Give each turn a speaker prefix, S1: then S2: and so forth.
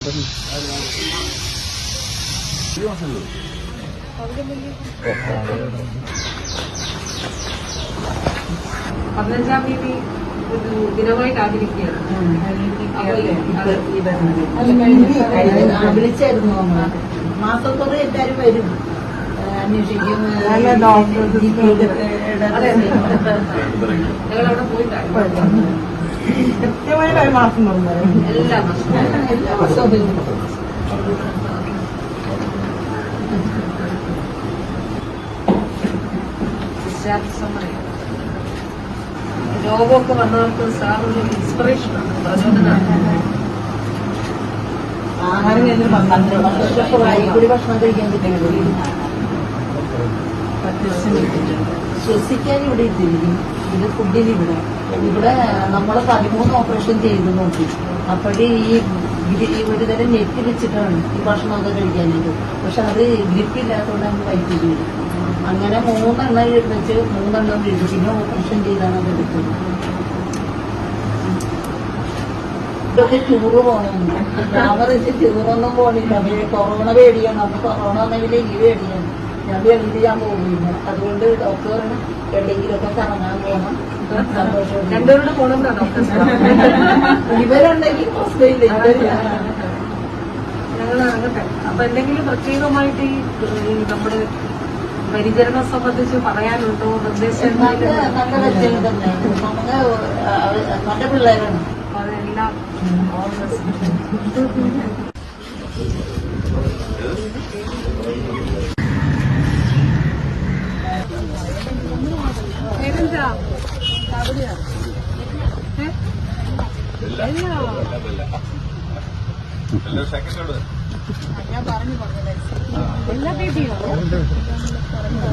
S1: 15-ാം തീയതി ഒരു ദിനമായിട്ട് ആചരിക്കുകയാണ്.
S2: വിളിച്ചായിരുന്നു നമ്മള് മാസത്തോടെ എല്ലാരും വരും അന്വേഷിക്കും.
S1: ഞങ്ങളവിടെ പോയിട്ടാണ്
S2: കൃത്യമായിട്ട് ഒരു മാസം
S1: എല്ലാ മാസവും രോഗമൊക്കെ വന്നവർക്ക് സാർ ഒരു ഇൻസ്പിറേഷനാണ്, പ്രചോദനമാണ്.
S2: ആഹാരം കഴിഞ്ഞ് 12 വർഷമായി കൂടി ഭക്ഷണം കഴിക്കാൻ പറ്റുന്നത് ശ്വസിക്കാൻ ഇവിടെ ഇട്ടിരിക്കും. ഇത് ഫുഡിന് ഇവിടെ നമ്മൾ 13 ഓപ്പറേഷൻ ചെയ്ത് നോക്കി. അപ്പോഴേ ഈ ഒരു തരം നെറ്റ് വെച്ചിട്ടാണ് ഈ ഭക്ഷണമൊക്കെ കഴിക്കാനായിട്ട്. പക്ഷെ അത് ഗ്രിപ്പില്ലാത്തതുകൊണ്ട് നമുക്ക് വൈറ്റ് ചെയ്തു. അങ്ങനെ 3 എണ്ണം വെച്ച് 3 എണ്ണം വീഴും. പിന്നെ ഓപ്പറേഷൻ ചെയ്താണ് അത് എടുത്തത്. ഇതൊക്കെ ടൂറ് പോകണമെന്ന് ഞാൻ പറഞ്ഞിട്ട് ടൂറൊന്നും പോകണില്ല. കൊറോണ പേടിയാണ്. അന്ന് കൊറോണ വന്നെങ്കിൽ ഈ പേടിയാണ്. ഞാൻ വെളിയിൽ ഞാൻ പോകില്ല. അതുകൊണ്ട് ഡോക്ടർ പറഞ്ഞു എവിടെയെങ്കിലുമൊക്കെ കറങ്ങാൻ പോകണം. സന്തോഷം
S1: രണ്ടുപേരുടെ പോകണമെന്നാണ് ഡോക്ടർ.
S2: ഇവരുണ്ടെങ്കിൽ പ്രശ്നമില്ല.
S1: ഞങ്ങൾ അങ്ങട്ടെ. അപ്പൊ എന്തെങ്കിലും പ്രത്യേകമായിട്ട് ഈ നമ്മുടെ പരിചരണം സംബന്ധിച്ച് പറയാനുണ്ടോ? നിർദ്ദേശം
S2: നല്ല വ്യക്തികൾ തന്നെ. നമുക്ക് നല്ല പിള്ളേരാണ്.
S1: അതെല്ലാം
S2: ഞാൻ പറഞ്ഞു
S1: എല്ലാ ബേബിയോ